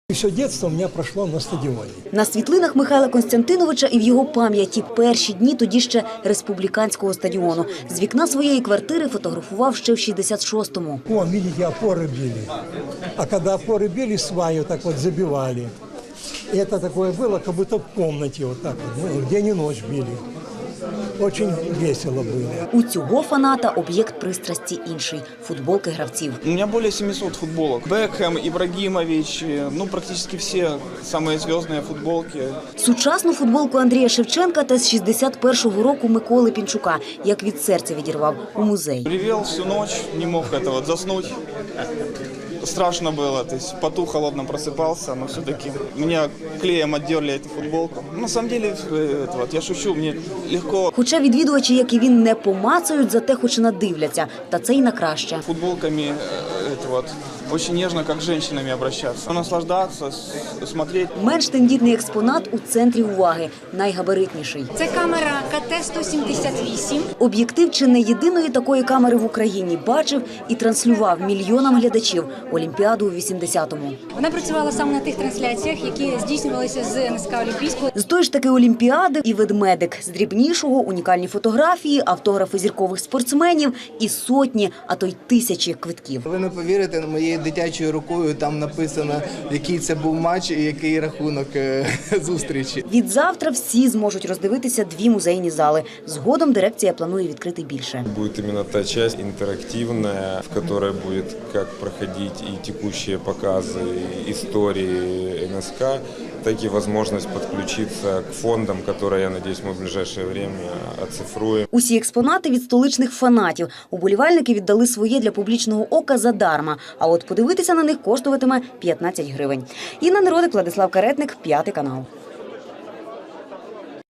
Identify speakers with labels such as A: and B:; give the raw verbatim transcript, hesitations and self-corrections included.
A: Все дитинство у мене пройшло на стадіоні.
B: На світлинах Михайла Костянтиновича і в його пам'яті перші дні тоді ще республіканського стадіону. З вікна своєї квартири фотографував ще в шістдесят шостому.
A: О, бачите, опори били. А коли опори били, сваю так от забивали. І це таке було, як будто в кімнаті, вот так вот, ну, день і ніч били. Очень весело було.
B: У цього фаната об'єкт пристрасті інший – футболки гравців.
C: У меня более семисот футболок. Бекхэм, Ибрагимович, ну практически все самые звездные футболки.
B: Сучасну футболку Андрія Шевченка та з шістдесят першого року Миколи Пінчука, як від серця відірвав, у музей.
C: Ревел всю ночь, не мог это вот заснуть. Страшно было, то есть поту холодно просыпался, но все-таки меня клеем отдерли эту футболку. На самом деле, это вот, я шучу, мне легко.
B: Хоча відвідувачі, як і він, не помацають, зате хоч надивляться. Та це й на краще.
C: Футболками это вот, очень нежно, как с женщинами обращаться. Наслаждаться, смотреть.
B: Менш тендітний експонат у центрі уваги – найгабаритніший.
D: Це камера Ка Те сто сімдесят вісім.
B: Об'єктив чи не єдиної такої камери в Україні бачив і транслював мільйонам глядачів Олімпіаду у вісімдесятому.
D: Вона працювала саме на тих трансляціях, які здійснювалися з Ен Ес Ка Олімпійського.
B: З тої ж таки Олімпіади і ведмедик. З дрібнішого – унікальні фотографії, автографи зіркових спортсменів і сотні, а то й тисячі квитків.
E: Ви не повірите, моєю дитячою рукою там написано, який це був матч і який рахунок зустрічі.
B: Відзавтра всі зможуть роздивитися дві музейні зали. Згодом дирекція планує відкрити більше.
F: Будет именно та часть интерактивная, в которой будет как проходить и текущие показы истории Ен Ес Ка, так и возможность подключиться к фондам, которые, я надеюсь, мы в ближайшее время оцифруем.
B: Усі експонати від столичних фанатів. Уболівальники віддали своє для публічного ока задарма. А от подивитися на них коштуватиме п'ятнадцять гривень. Інна Неродик, Владислав Каретник, П'ятий канал.